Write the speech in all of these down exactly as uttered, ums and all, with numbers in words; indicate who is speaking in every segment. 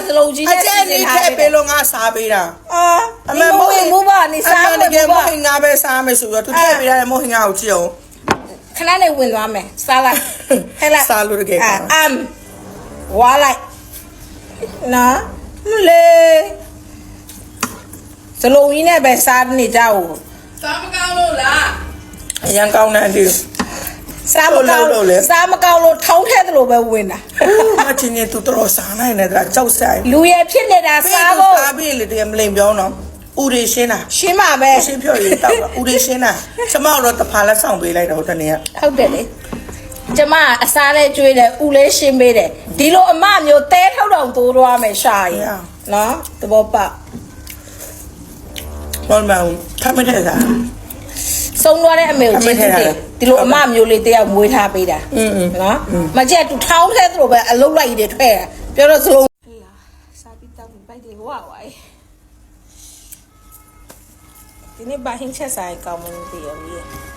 Speaker 1: စလုံးကြီးနဲ့စီစဉ်ထားတယ်
Speaker 2: ပေးလို့ငါစားပေးတာ
Speaker 1: အာအမေမိုးဟင်မိုးပါနေစားမယ်မိုးပါ
Speaker 2: မိုးဟင်ငါပဲစားမယ်ဆိုတော့သူထည့်ပေးရတယ်မိုးဟင်ငါကိုကြည့်အောင်
Speaker 1: ခဏနဲ့ဝင်သွားမယ်စားလိုက်ဟဲ့လား
Speaker 2: စားလို့တကယ်ပါ
Speaker 1: အမ်ဝါလိုက်နော်မလေစလုံးကြီးနဲ့ပဲစားနေကြဦး
Speaker 3: စားမကောင်းလို့လား
Speaker 2: အရန်ကောင်းတယ်ဒီ
Speaker 1: စားမကောင်းလို့စားမကောင်းလို့ထောင်းထဲသလိုပဲဝင်တာ
Speaker 2: မချင်းနေသူတော်စားနိုင်နေတာကြောက်ဆိုင်
Speaker 1: လူရဖြစ်နေတာစားဖို့
Speaker 2: စားပြီးလေတကယ်မလိမ်ပြောတော့ဦးရီရှင်းတာ
Speaker 1: ရှင်းပါပဲ
Speaker 2: ရှင်းဖြော်ရတောက်တာဦးရီရှင်းတာကျမတို့တဖာလက်ဆောင်ပေးလိုက်တော့တနေ့က
Speaker 1: ဟုတ်တယ်လေကျမအစားလေးကျွေးတယ်ဦးလေးရှင်းပေးတယ်ဒီလိုအမမျိုးတဲထောက်တော့သိုးသွားမယ်ရှာရင်နော်သဘောပေါက်
Speaker 2: ဘောမောင်ထမတဲ့စား
Speaker 1: ဆုံးသွားတဲ့အမေကိုကျေးဇူးတင်ဒီလိုအမမျိုးလေးတယောက်မွေးထားပေးတာနော်မကြက်သူထောင်းထဲသလိုပဲအလုတ်လိုက်ရတယ်ထွက်တာပြောတော့စလုံးစားပြီးတောက်ပြီးပိုက်တယ်ဝါဝိုင်းဒီနေ့ဘာဟင်းချက်ဆိုင်ကောင်းမလို့တည်ရပြီ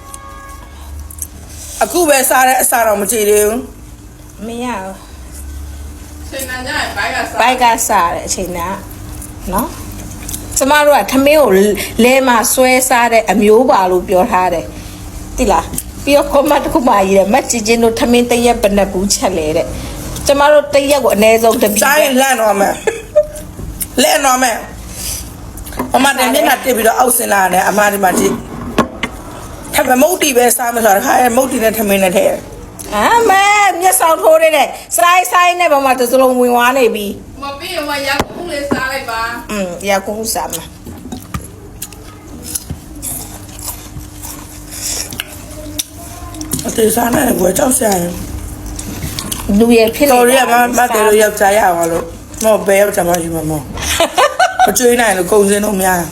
Speaker 2: အခုပဲစားတဲ့အစားတော့မကြည့်သေးဘူး
Speaker 1: မရဘူး
Speaker 3: ချိန်နာကြရင်ဘိုက်ကစား
Speaker 1: ဘိုက်ကစားတဲ့အချိန်ကနော်ကျမတို့ကထမင်းကိုလဲမှာဆွဲစားတဲ့အမျိုးပါလို့ပြောထားတယ်တိလားပြီးတော့ comment တစ်ခုမှရေးတယ်မကြည့်ချင်းတို့ထမင်းတရက်ဘယ်နှဘူးချက်လဲတဲ့ကျမတို့တရက်ကိုအနည်းဆုံးတစ်ပြီး
Speaker 2: စားရင်လန့်တော့မယ်လန့်တော့မယ်အမတည်းမျက်နှာတက်ပြီးတော့အောက်ဆင်းလာတယ်အမဒီမှာကြည့်ထပ်မုတ်တီပဲစားမယ်ဆိုတော့ခါရဲမုတ်တီနဲ့ထမင်းနဲ့ထည့်
Speaker 1: အာမဲမျက်စောင်ထိုးနေတဲ့စရိုင်းဆိုင်နဲ့ဘာမှတစလုံးဝင်သွားနေပြီ
Speaker 3: မပြီးရင်မရကုန်းလေးစားလိုက်ပါ
Speaker 1: อืมရကုန်းစားမှာ
Speaker 2: အသေးစားနေဘွယ်ကြောက်စရာရင်
Speaker 1: လူရဖြစ်နေ
Speaker 2: တော်ရမမတယ်လို့ယောက်ျားရအောင်လို့မော်ဘဲယောက်ျားမရှိမှာမော်မကျွေးနိုင်လို့ကုန်စင်းတော့များ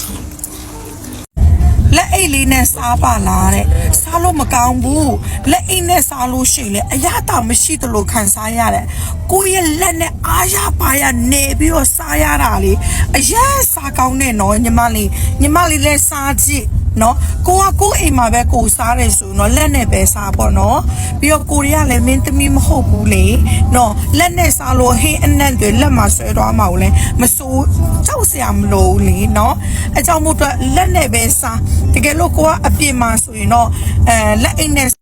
Speaker 2: လက်အိတ်လေးနဲ့စားပါလားတဲ့စားလို့မကောင်းဘူးလက်အိတ်နဲ့စားလို့ရှိလေအရသာမရှိသလိုခံစားရတယ်ကိုယ့်ရဲ့လက်နဲ့အားရပါရနေပြီးတော့စားရတာလေအရက်စားကောင်းတဲ့နော်ညီမလေးညီမလေးလည်းစားကြည့်နော်ကိုကကိုအိမ်မှာပဲကိုစားတယ်ဆိုတော့လက်နဲ့ပဲစားပေါ့နော်ပြီးတော့ကိုရီးယားလည်းမင်းသမီးမဟုတ်ဘူးလေနော်လက်နဲ့စားလို့ဟင်းအနက်တွေလက်မှာဆွဲသွားမှာလဲမစိုးကြောက်စရာမလိုဘူးလေနော်အကြောင်းမို့တော့လက်နဲ့ပဲစားတကယ်လို့ကိုကအပြစ်မှာဆိုရင်တော့အဲလက်အိတ်နဲ့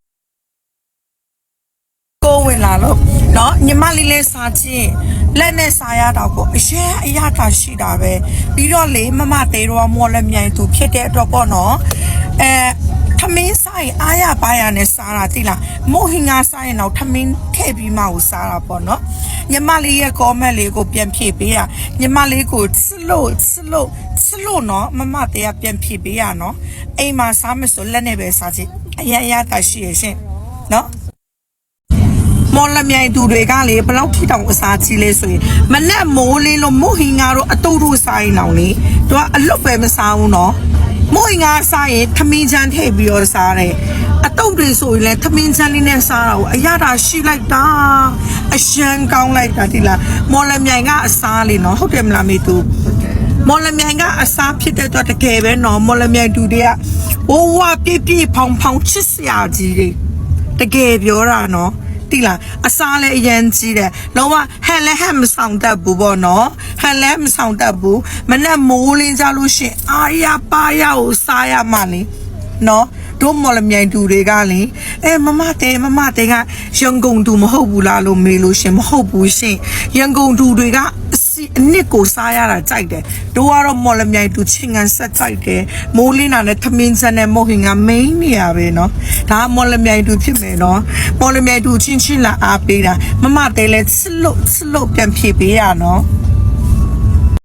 Speaker 2: ကိုဝင်လာလို့နော်ညီမလေးလေးစားချင်းလက်နဲ့စားရတော့ကိုအရင်အရသာရှိတာပဲပြီးတော့လေမမသေးတော့မော်လက်မြိုင်သူဖြစ်တဲ့အတွက်ပေါ့နော်အဲထမင်းစားရင်အားရပါရနဲ့စားတာတိလားမို့ဟင်ငါစားရင်တော့ထမင်းထည့်ပြီးမှကိုစားတာပေါ့နော်ညီမလေးရဲ့ comment လေးကိုပြန်ဖြည့်ပေးရညီမလေးကိုစလို့စလို့စလို့နော်မမသေးကပြန်ဖြည့်ပေးရနော်အိမ်မှာစားမဆိုလက်နဲ့ပဲစားချင်အရင်အရသာရှိရရှင်နော်မော်လမြိုင်သူတွေကလေဘလောက်ထိတောင်အစားကြီးလဲဆိုရင်မနဲ့မိုးလေးလို့မို့ဟင်ငါတို့အတူတူစားရင်အောင်လေသူကအလွတ်ပဲမစားဘူးနော်မို့ဟင်ငါစားရင်ထမင်းချမ်းထည့်ပြီးတော့စားတယ်အတုပ်တွေဆိုရင်လည်းထမင်းချမ်းလေးနဲ့စားတာကိုအရသာရှိလိုက်တာအရှမ်းကောင်းလိုက်တာဒီလားမော်လမြိုင်ကအစားလေးနော်ဟုတ်တယ်မလားမေသူမော်လမြိုင်ကအစားဖြစ်တဲ့တော့တကယ်ပဲနော်မော်လမြိုင်သူတွေကဝဝပြည့်ပြည့်ဖောင်ဖောင်ချစ်စရာကြီးတွေတကယ်ပြောတာနော်တိလားအစားလည်းအရင်ကြီးတယ်လုံးဝဟန်လည်းဟန်မဆောင်တတ်ဘူးပေါ့နော်ဟန်လည်းမဆောင်တတ်ဘူးမနဲ့မိုးလင်းကြလို့ရှင်အာရပါရကိုစားရမှလေနော်တို့မော်လမြိုင်သူတွေကလေအဲမမတဲမမတဲကရန်ကုန်သူမဟုတ်ဘူးလားလို့မေးလို့ရှင်မဟုတ်ဘူးရှင်ရန်ကုန်သူတွေကအစီအနစ်ကိုစားရတာကြိုက်တယ်တို့ကတော့မော်လမြိုင်သူချင်းကန်ဆက်ကြိုက်တယ်မိုးလင်းတာနဲ့သမင်းစက်နဲ့မဟုတ်ခင်ကမိန်းနေရပဲနော်ဒါမော်လမြိုင်သူဖြစ်မယ်နော်မော်လမြိုင်သူချင်းချင်းလာအားပေးတာမမတဲလဲစလို့စလို့ပြန်ဖြေပေးရနော်